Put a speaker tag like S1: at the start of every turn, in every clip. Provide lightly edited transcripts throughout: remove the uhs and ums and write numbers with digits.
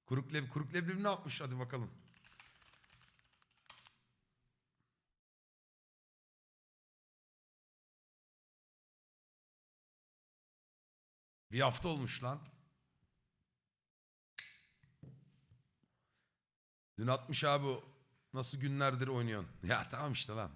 S1: Kuruk leblebi ne yapmış? Hadi bakalım. Bir hafta olmuş lan. Dün atmış abi o. Nasıl günlerdir oynuyorsun? Ya tamam işte lan.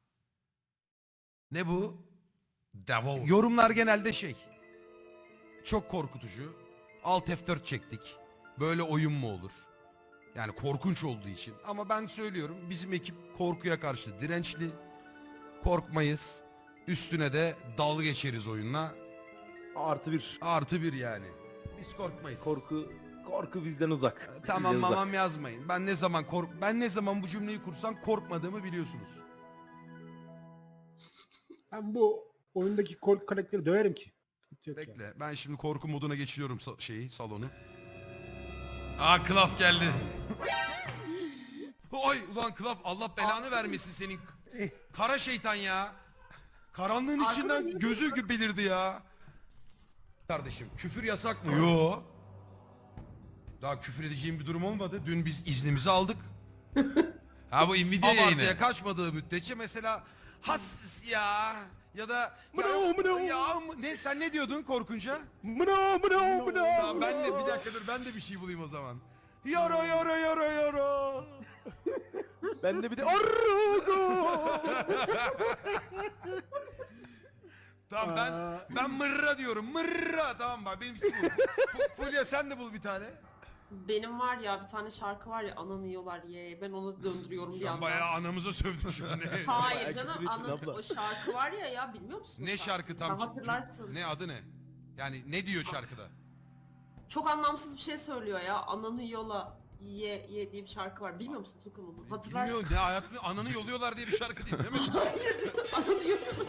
S1: Ne bu? Devo. Yorumlar genelde şey. Çok korkutucu. Alt F4 çektik. Böyle oyun mu olur? Yani korkunç olduğu için. Ama ben söylüyorum bizim ekip korkuya karşı dirençli. Korkmayız. Üstüne de dalga geçeriz oyunla.
S2: Artı bir.
S1: Artı bir yani. Biz korkmayız.
S2: Korku bizden uzak.
S1: Tamam
S2: Bizden
S1: mamam yazmayın. Ben ne zaman bu cümleyi kursam korkmadığımı biliyorsunuz.
S3: Ben bu oyundaki korku karakteri döverim ki. Sıkıntı yok yani.
S1: Bekle. Ben şimdi korku moduna geçiriyorum salonu. Aa Klaf geldi. Oy ulan Klaf Allah belanı vermesin senin. Kara şeytan ya. Karanlığın içinden gözü belirdi ya. Kardeşim küfür yasak mı? Yo. Daha küfür edeceğim bir durum olmadı. Dün biz iznimizi aldık. Ha bu Nvidia yayını. Abartıya kaçmadığı müddetçe mesela has ya da ne sen ne diyordun korkunca? Tamam, ben de bir dakika dur ben de bir şey bulayım o zaman. Yara.
S2: Ben de bir de
S1: Tamam ben mırra diyorum. Mırra. Tamam bak benim için bu. Fulya sen de bul bir tane.
S4: Benim var ya bir tane şarkı var ya ananı yiyorlar ye. Ben onu döndürüyorum bir
S1: Sen
S4: yandan.
S1: bayağı anamıza sövdün şu an.
S4: Hayır
S2: Bayağı
S4: canım
S2: küfür ettin abla.
S4: o şarkı var ya bilmiyor musun?
S1: Ne şarkı tam?
S4: Hatırlarsın.
S1: Ne adı ne? Yani ne diyor şarkıda?
S4: Çok anlamsız bir şey söylüyor ya. Ananı yola ye diye bir şarkı var. Bilmiyor musun Tukan onu? Hatırlarsın.
S1: Bilmiyorum ne hayatımda ananı yoluyorlar diye bir şarkı değil mi?
S4: Ananı yola.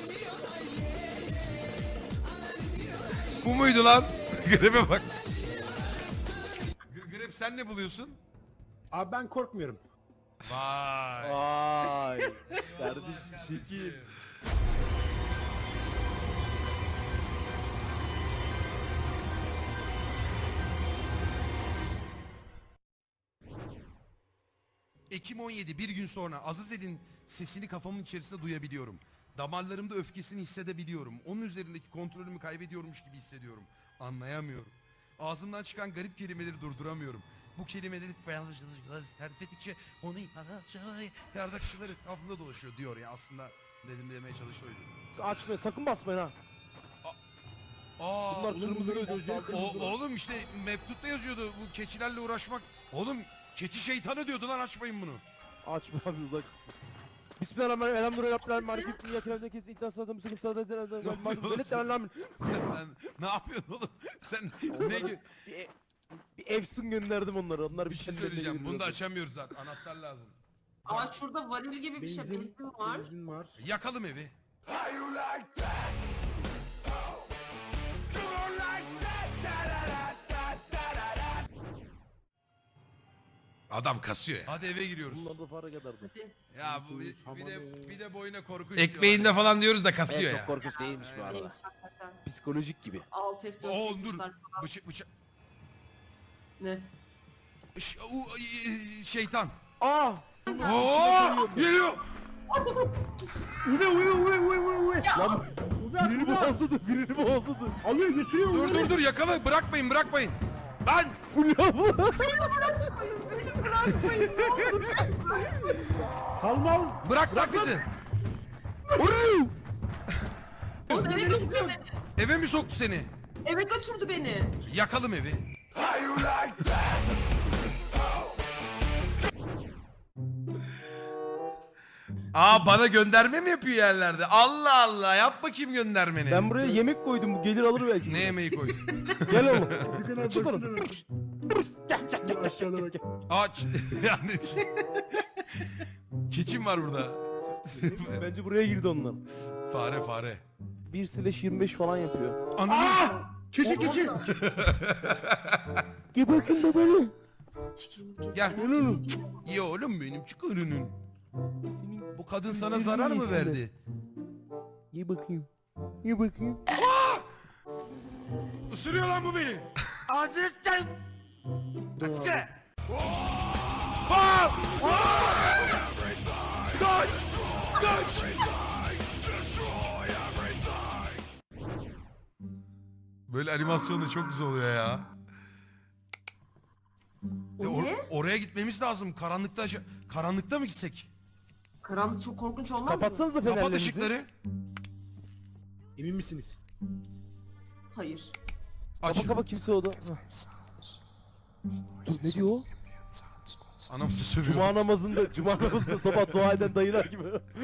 S1: Bu muydu lan? Grebe bak. Greb sen ne buluyorsun?
S3: Abi ben korkmuyorum.
S1: Vay.
S2: Vay. Kardeşim şekil.
S1: Ekim 17 bir gün sonra Azized'in sesini kafamın içerisinde duyabiliyorum. Damarlarımda öfkesini hissedebiliyorum. Onun üzerindeki kontrolümü kaybediyormuş gibi hissediyorum. Anlayamıyorum. Ağzımdan çıkan garip kelimeleri durduramıyorum. Bu kelimeleri serfettikçe onu yardakçılar etrafında dolaşıyor diyor ya aslında demeye çalıştı oydu.
S2: Açma sakın basmayın ha.
S1: Aa,
S2: Bunlar kırmızı gözlü.
S1: oğlum işte mektupta yazıyordu bu keçilerle uğraşmak. Oğlum keçi şeytanı diyordu lan açmayın bunu.
S2: Açma abi uzak. Bismillahirrahmanirrahim. Elhamdülillah. Marifetini yatırımda kesin iddiası adamı sıkıntı sağlayacağız.
S1: Sen ne yapıyorsun oğlum? Sen ne
S2: Bir efsun gönderdim onları. Onlar
S1: bir şey
S2: kendilerine
S1: söyleyeceğim. Bunu da
S2: geliyorlar.
S1: açamıyoruz zaten. Anahtar lazım.
S4: Aa şurada varil gibi bir şey benzin var.
S3: Benzin var.
S1: Yakalım evi. Adam kasıyor ya. Hadi eve giriyoruz.
S2: Bunlar da para kadardı.
S4: Hadi.
S1: Ya bu bir de boyuna korkunç. Ekmeğinde
S2: diyorlar.
S1: falan diyoruz da kasıyor
S2: Evet,
S1: ya.
S2: çok korkunç değilmiş bu
S1: Aynen.
S2: arada.
S4: Neymiş hakikaten.
S2: Psikolojik gibi.
S4: Alt F4
S1: Oo dur.
S4: çekmişler.
S1: Bıçak.
S4: Ne?
S1: Şeytan.
S2: Aa!
S1: Oo geliyor.
S3: Uy.
S2: Lan birini boğazladı.
S3: Alıyor götürüyor.
S1: Dur yakala bırakmayın. Lan
S2: Fulya bu.
S3: Salmal.
S1: bırak bizi.
S4: O eve götürdü beni.
S1: Eve mi soktu seni?
S4: Eve götürdü beni.
S1: Yakalım evi. Aa bana gönderme mi yapıyor yerlerde? Allah Allah yap bakayım göndermeni.
S2: Ben buraya yemek koydum. Bu gelir alır belki.
S1: Ne yemeği koydun?
S2: Gel oğlum.
S3: Çık
S2: Çık oğlum.
S3: Gel aşağıda bak.
S1: Aç. Yani keçim var burada.
S2: Bence buraya girdi onlar.
S1: Fare.
S2: 1/25 falan yapıyor.
S1: Ananı.
S3: Keçi.
S2: Gel bakın babanı.
S4: Çıkayım,
S1: Gel.
S4: geçeyim.
S1: İyi oğlum benim çık önünün.
S2: Senin
S1: Bu kadın sana zarar mı verdi?
S2: Ye bakayım. Ye bakayım.
S1: Isırıyor lan bu beni.
S3: Vurdum abi.
S1: Aa! Kaç! Kaç! Böyle animasyon da çok güzel oluyor ya.
S4: O ne?
S1: Oraya gitmemiz lazım. Karanlıkta mı gitsek?
S4: Karanlık çok korkunç olmaz mı?
S2: Kapatsanıza
S1: Kapat
S2: fenerlerinizi.
S1: ışıkları.
S3: Emin misiniz?
S4: Hayır.
S1: Aç.
S2: Kapa kimse oldu. Dur ne diyor o?
S1: Anamızı sövüyor.
S2: Cuma namazında sabah dua eden dayılar gibi.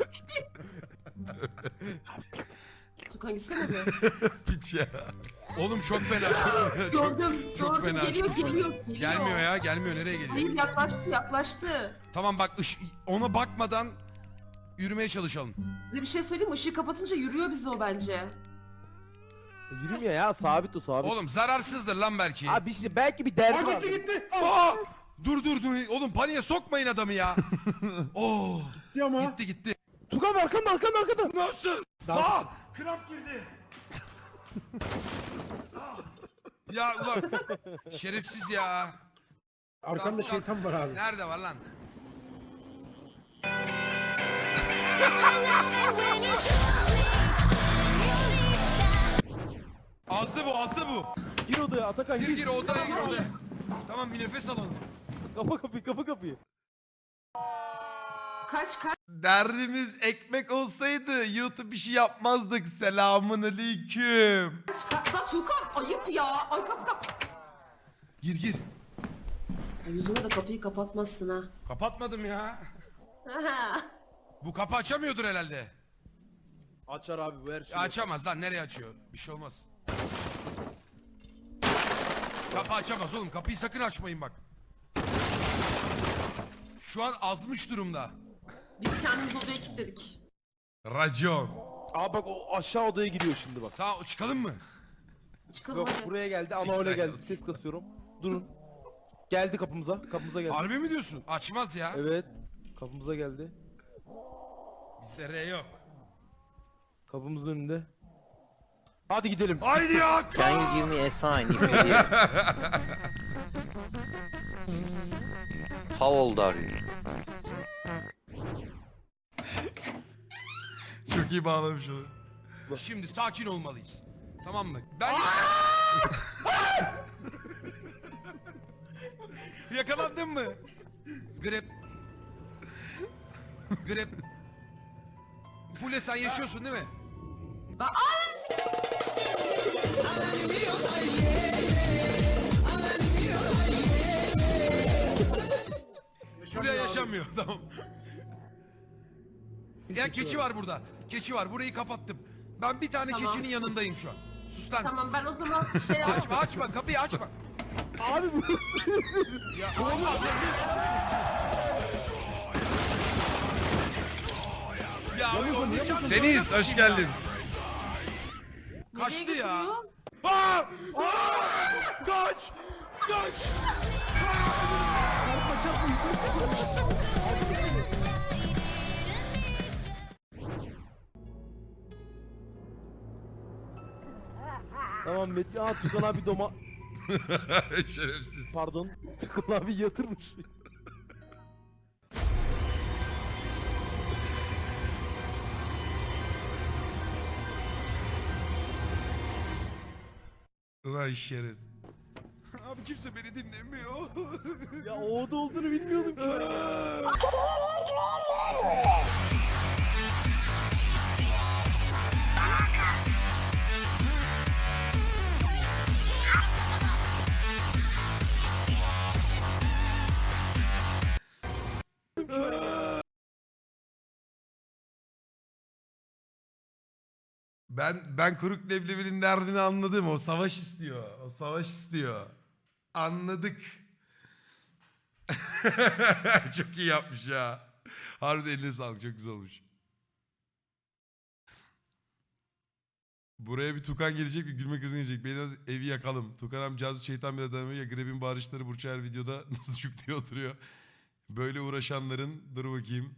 S4: Tukan gitsene be.
S1: Piç ya. Oğlum çok fena.
S4: Gördüm.
S1: çok
S4: gördüm.
S1: fena,
S4: Geliyor,
S1: çok fena.
S4: geliyor.
S1: Gelmiyor ya, gelmiyor. Nereye geliyor?
S4: Hayır, yaklaştı.
S1: Tamam bak, ona bakmadan yürümeye çalışalım.
S4: Size bir şey söyleyeyim mi? Işığı kapatınca yürüyor bizi o bence.
S2: Yürümüyor ya, sabit o sabit.
S1: Oğlum zararsızdır lan belki.
S2: Abi işte belki bir derdi var.
S3: Gitti.
S1: Aa! Dur. Oğlum paniğe sokmayın adamı ya. Oo!
S3: Gitti ama.
S1: Gitti.
S2: Tukan arkanda.
S1: Nasıl? Aa! Kramp girdi. Ya ulan şerefsiz ya.
S3: Arkanda
S1: Lan,
S3: şeytan var abi.
S1: Nerede var lan? Azdı bu.
S2: Gir odaya Atakan
S1: Gir odaya gir odaya. Tamam bir nefes alalım.
S2: Kapa kapıyı.
S4: Kaç.
S1: Derdimiz ekmek olsaydı YouTube bir şey yapmazdık. Selamun aleyküm.
S4: Lan Tukan ayıp ya. Ay kap.
S1: Gir.
S4: Ay, yüzüme de kapıyı kapatmazsın ha.
S1: Kapatmadım ya. Bu kapı açamıyordur herhalde.
S2: Açar abi bu her şeyi.
S1: Açamaz lan, nereye açıyor? Bir şey olmaz. Kapı açamaz oğlum, kapıyı sakın açmayın bak. Şu an azmış durumda.
S4: Biz kendimiz odaya kilitledik.
S1: Racon.
S2: Aa bak o aşağı odaya giriyor şimdi bak.
S1: Tamam çıkalım mı?
S4: Çıkalım
S2: Yok
S4: hadi.
S2: buraya geldi ama
S1: Zikzak
S2: öyle geldi.
S1: yazmış.
S2: Ses kasıyorum. Durun. Geldi kapımıza geldi.
S1: Harbi mi diyorsun? Açmaz ya.
S2: Evet. Kapımıza geldi.
S1: Bizde R yok.
S2: Kapımızın önünde. Hadi gidelim.
S1: Haydi ya.
S5: Can you give me a sign if you hear? How old are you?
S1: Çok iyi bağlamış onu. Şimdi sakin olmalıyız. Tamam mı? Ben... Yakalandın mı? Grep. Fule sen yaşıyorsun değil mi? Fule yaşamıyor tamam. Ya keçi var burada. Keçi var. Burayı kapattım. Ben bir tane
S4: Tamam.
S1: keçinin yanındayım şu an. Sus lan.
S4: Tamam ben o zaman şey
S1: Açma kapıyı açma.
S2: Abi bu.
S1: Ya Deniz hoş geldin. Kaçtı
S4: Nereye
S1: ya.
S4: götürüyor?
S1: Aa! Kaç!
S2: Tamam Metin. Aa Tukan abi
S1: Şerefsiz.
S2: Pardon. Tukan abi yatırmış.
S1: Ulan şerefsiz. Abi kimse beni dinlemiyor.
S2: Ya o oda olduğunu bilmiyordum ki.
S1: Ben kuruk leblebinin derdini anladım. O savaş istiyor. Anladık. Çok iyi yapmış ya. Harbiden eline sağlık. Çok güzel olmuş. Buraya bir Tukan gelecek, bir gülme krizine gelecek. Beni evi yakalım. Tukan abi casus şeytan bir adamı ya Greb'in bağırışları Burç her videoda nasıl çuk diye oturuyor. Böyle uğraşanların dur bakayım.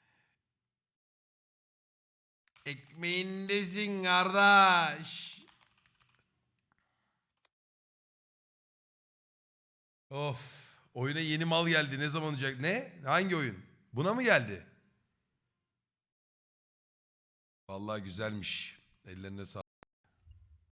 S1: Ekmeğindesin kardeş. Of. Oyuna yeni mal geldi. Ne zaman olacak? Ne? Hangi oyun? Buna mı geldi? Vallahi güzelmiş. Ellerine sağlık.